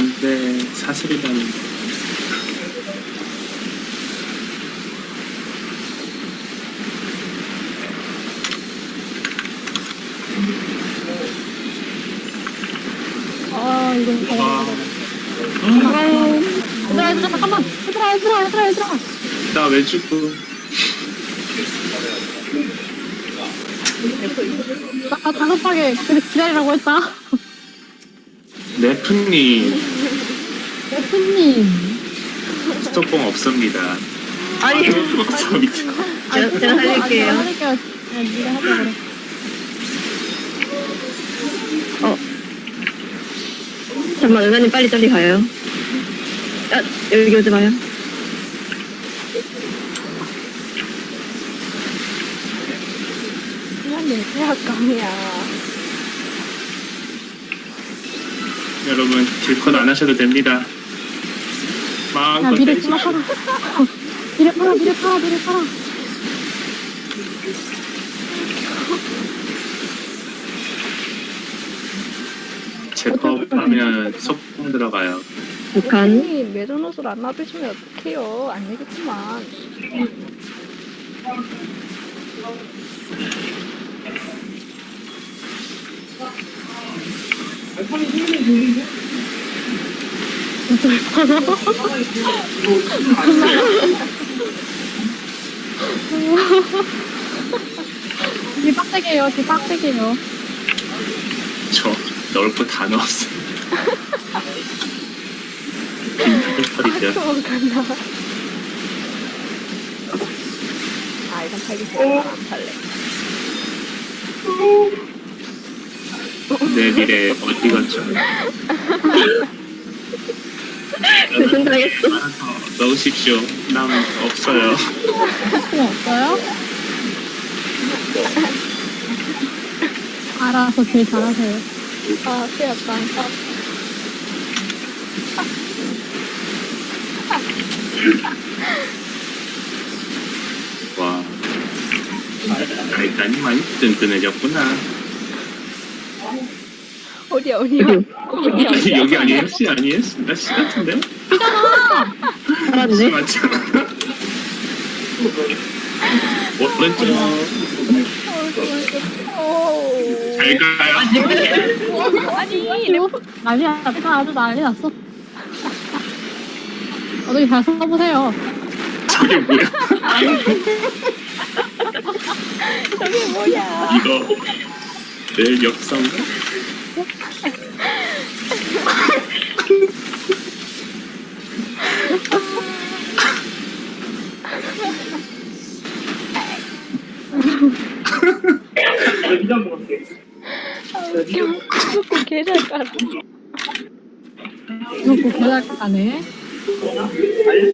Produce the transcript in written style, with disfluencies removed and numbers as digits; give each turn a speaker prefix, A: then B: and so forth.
A: 안돼 사슬이라니.
B: 아, 이거
A: 와.
B: 얘들아, 잠깐만. 얘들아.
A: 나 왜 죽고?
B: 나 다급하게 기다리라고 했다.
A: 네프님
B: 대표님.
A: 스톱봉 없습니다.
C: 아니,
A: 없어 미친.
C: 제가 살릴게요.
B: 살릴게요. 네가 하자 그래.
C: 잠깐만, 은하님 빨리 가요. 아, 여기 오지 마요.
B: 시간이 계약감이야.
A: 여러분 딜컷 안 하셔도 됩니다.
B: 야,
A: 마음껏
B: 미래
A: 때리십시오.
B: 팔아. 미래 팔아.
A: 제법 하면 속공 들어가요.
C: 북한.
B: 아니, 매전 옷을 안 놔두시면 어떡해요. 안 되겠지만. 뒤 빡세게요.
A: 저 넣을 거 다 넣었어요. 빈털이죠.
B: 간다. 아, 이건 팔기 싫어. 안 팔래.
A: 내 미래 어디 갔죠?
C: 무슨 당했어?
A: 알아서 넣으십시오. 남 없어요.
B: 뭐 없어요? 알아서 길 잘하세요. 아, 쓰였다.
A: 와. 일단이 많이 든든해졌구나.
B: 어디야?
A: 아니, 여기 아니에요? 씨 아니에요? 나 씨 같은데?
C: 살았네.
A: 맞잖아. 오른쪽. 잘 가요.
B: 아니, 난리 났다. 아주 난리 났어. 어떻게 잘 써보세요.
A: 저게 뭐야?
B: 저게 뭐야?
A: 이거 내 역사인가?
B: 웃겨. 개잘 깔아. 웃고 개잘 까네.